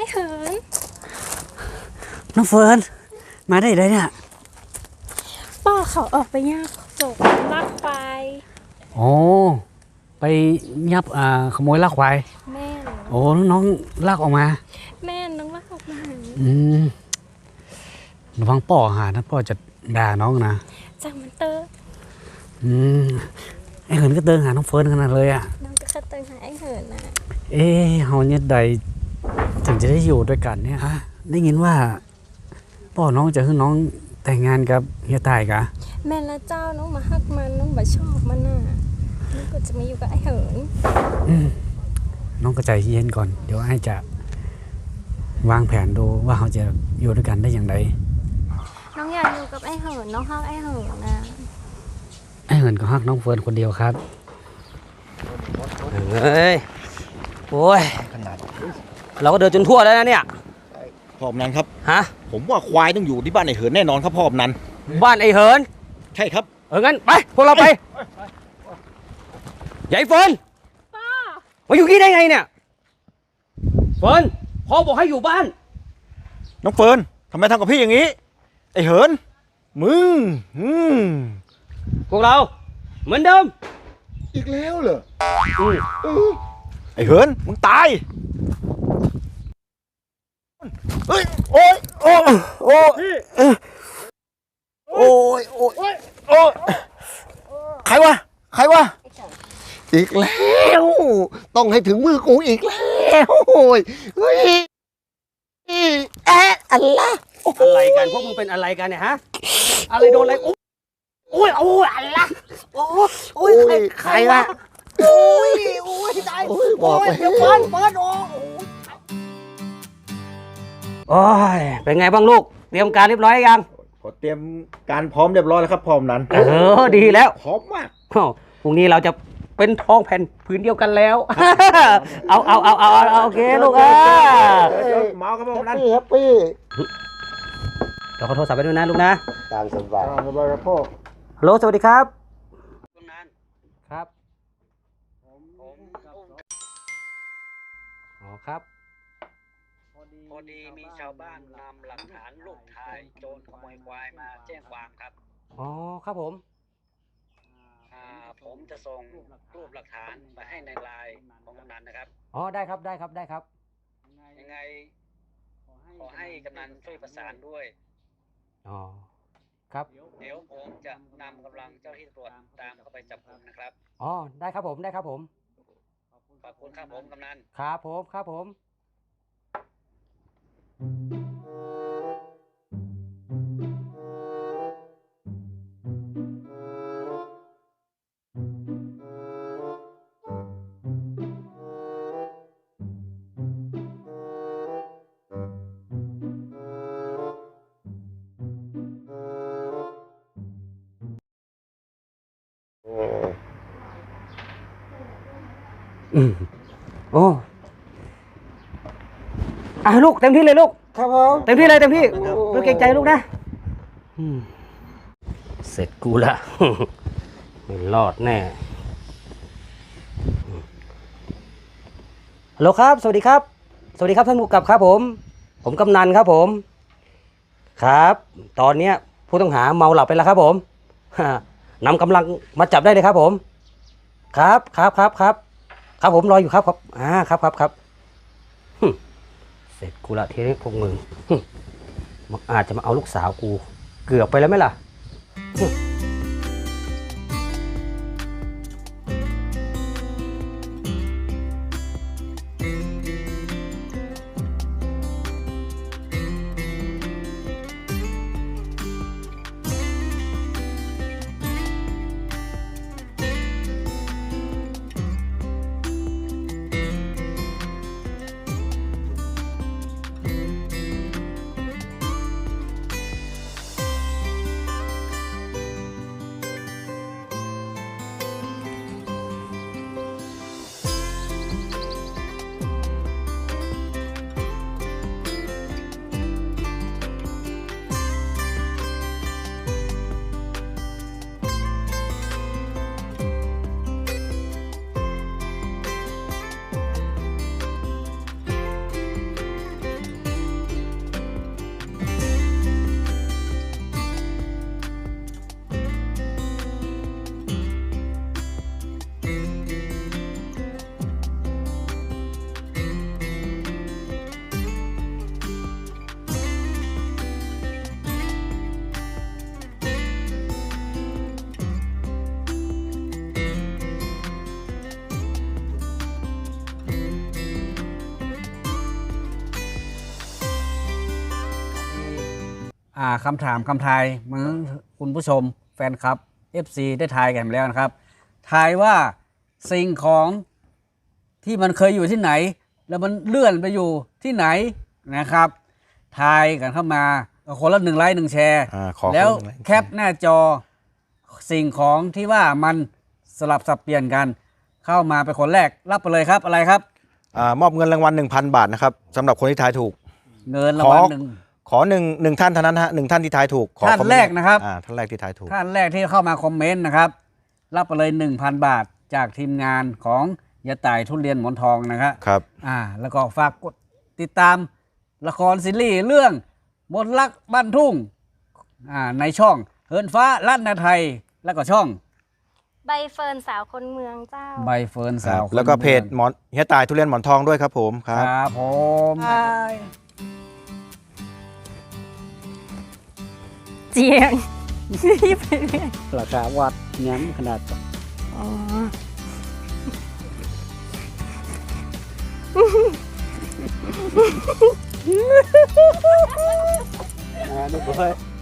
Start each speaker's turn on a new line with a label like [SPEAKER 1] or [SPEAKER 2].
[SPEAKER 1] เหิน
[SPEAKER 2] น้องเฟิร์นมาได้เลยเนี่ย
[SPEAKER 1] ป้าเขาออกไปย่างจกลักควาย
[SPEAKER 2] โอ้ไปยับขโมยลักควาย
[SPEAKER 1] แม่
[SPEAKER 2] โอ้น้องลักออกมา
[SPEAKER 1] แม่น้องลักออกมา
[SPEAKER 2] ระวังป่อหานะป่อจะด่าน้องนะ
[SPEAKER 1] จังมันเตอร์
[SPEAKER 2] ไอ้เหินก็เดินหาน้องเฟิร์นขนาดเลยอ่ะ
[SPEAKER 1] น้องก็เดินหาไอ้เหินนะ
[SPEAKER 2] เฮาเนี่ยใดถึงจะได้อยู่ด้วยกันเนี่ยฮะได้ยินว่าป่อน้องจะให้น้องแต่งงานกับเฮียตายกะ
[SPEAKER 1] แม่ละเจ้าน้องมาฮักมันน้องบ่ชอบมันน่ะน้องก็จะมาอยู่กับไอ้เหิน
[SPEAKER 2] น้องก็ใจเย็นก่อนเดี๋ยวไอ้จะวางแผนดูว่าเขาจะอยู่ด้วยกันได้อย่างไร
[SPEAKER 1] น้องอยากอยู่กับไอ้เหินน้องฮักไอ้เหินนะ
[SPEAKER 2] ไอ้เหินก็ฮักน้องเฟิร์นคนเดียวครับ
[SPEAKER 3] เฮ้ยโอ้ยขนาดเราก็เดินจนทั่วแล้วนะเนี่ย
[SPEAKER 4] พ่อมนันครับ
[SPEAKER 3] ฮะ
[SPEAKER 4] ผมว่าควายต้องอยู่ที่บ้านไอ้เหินแน่นอนครับพ่อมนัน
[SPEAKER 3] บ้านไอ้เหิน
[SPEAKER 4] ใช่ครับ
[SPEAKER 3] งั้นไปพวกเราไปใหญ่เฟิร์นมาอยู่ที่ได้ไงเนี่ยเฟิร์นพ่อบอกให้อยู่บ้าน
[SPEAKER 4] น้องเฟิร์นทำไมทำกับพี่อย่างนี้ไอ้เหินมึง
[SPEAKER 3] พวกเราเหมือนเดิม
[SPEAKER 4] อีกแล้วเหรอไอ้เหินมึงตายเฮ้ยโอ้ยโอ้ยโอ้ยโอ้ยโอ้ยโอ้ยใครวะอีกแล้วต้องให้ถึงมือกูอีกแล้วโอ้ยเฮ้ย
[SPEAKER 3] อะไรกันพวกมึงเป็นอะไรกันเนี่ยฮะอะไรโดนอะไรโอ้ยอะไรโอ้ยใครวะโอ้ยตาย
[SPEAKER 4] บอกไป
[SPEAKER 3] เดี๋ยวเปิดโอ้ยเป็นไงบ้างลูกเตรียมการเรียบร้อยยัง
[SPEAKER 4] ขอเตรียมการพร้อมเรียบร้อยแล้วครับพร้อมนั้น
[SPEAKER 3] ดีแล้ว
[SPEAKER 4] พร้อมมาก
[SPEAKER 3] พรุ่งนี้เราจะเป็นทองแผ่นผืนเดียวกันแล้วเอาโอเคลูก
[SPEAKER 4] เมาครับพร้อมนั้นแฮปปี้
[SPEAKER 3] เราขอโทรศัพท์ไปด้วยนะลูกนะ
[SPEAKER 4] ตามสบายครับพ่อ
[SPEAKER 3] ฮัลโหลสวัสดีครับลุงนันครับอ๋อครับ
[SPEAKER 5] พอดีมีชาวบ้านนำหลักฐานรูปถ่ายโจรขโมยควายมาแจ้งความครับ
[SPEAKER 3] อ๋อครับผม
[SPEAKER 5] ผมจะส่งรูปหลักฐานไปให้ในไลน์ของกำนันนะครับ
[SPEAKER 3] อ๋อได้ครับ
[SPEAKER 5] ยังไงขอให้กำนันช่วยประสานด้วย
[SPEAKER 3] อ๋อครับ
[SPEAKER 5] เดี๋ยวผมจะนำกำลังเจ้าหน้าที่ตำรวจตามเข้าไปจับกุมนะครับ
[SPEAKER 3] อ๋อได้ครับผม
[SPEAKER 5] ขอบคุณครับผมกำนัน
[SPEAKER 3] ครับผมโอ้ลูกเต็มที่เลยลูก
[SPEAKER 4] ครับผม
[SPEAKER 3] เต็มที่ลูกเกรงใจลูกนะเสร็จกูละไม่รอดแน่ฮัลโหลครับสวัสดีครับท่านผู้กำกับครับผมกำนันครับผมครับตอนนี้ผู้ต้องหาเมาหลับไปแล้วครับผมนำกำลังมาจับได้เลยครับผมครับผมรออยู่ครับครับเสร็จกูละทีนี้พวกมึงมันอาจจะมาเอาลูกสาวกูเกือบไปแล้วไหมล่ะ
[SPEAKER 2] คำถามคำทายเหมือนคุณผู้ชมแฟนคลับ FC ได้ทายกันแล้วนะครับทายว่าสิ่งของที่มันเคยอยู่ที่ไหน แล้วมันเลื่อนไปอยู่ที่ไหนนะครับทายกันเข้ามาคนละ1 ไลค์ 1 แชร์
[SPEAKER 4] ขอ
[SPEAKER 2] แล้ว
[SPEAKER 4] คนละ1 ไลค์ 1
[SPEAKER 2] แคปหน้าจอสิ่งของที่ว่ามันสลับสับเปลี่ยนกันเข้ามาเป็นคนแรกรับไปเลยครับอะไรครับ
[SPEAKER 4] มอบเงินรางวัล 1,000 บาทนะครับสำหรับคนที่ทายถูก
[SPEAKER 2] เงินรางวัลหนึ่ง
[SPEAKER 4] ขอหนึ่งท่านเท่านั้นฮะ1 ท่านที่ทายถูกขอ
[SPEAKER 2] ท่าน
[SPEAKER 4] คอมเมต์
[SPEAKER 2] แรกนะครับ
[SPEAKER 4] ท่านแรกที่ทายถูก
[SPEAKER 2] ท่านแรกที่เข้ามาคอมเมนต์นะครับรับไปเลย 1,000 บาทจากทีมงานของยะต่ายทุเรียนหมอนทองนะครับ
[SPEAKER 4] ครับ
[SPEAKER 2] แล้วก็ฝากกดติดตามละครซีรีส์เรื่องมนต์รักบ้านทุ่งในช่องเฮินฟ้าลั่นนาไทยแล้วก็ช่อง
[SPEAKER 1] ใบเฟิร์นสาวคนเมืองเจ้า
[SPEAKER 2] ใบเฟิร์นสาว
[SPEAKER 4] แล้วก็เพจหมอนเฮียตายทุเรียนหมอนทองด้วยครับผมค
[SPEAKER 2] ครับ รับผม
[SPEAKER 1] เจียง รีบไปเรื่อย
[SPEAKER 2] ราคาวัดย้ำขนาด
[SPEAKER 1] อ๋อ
[SPEAKER 2] ดูเพื่อ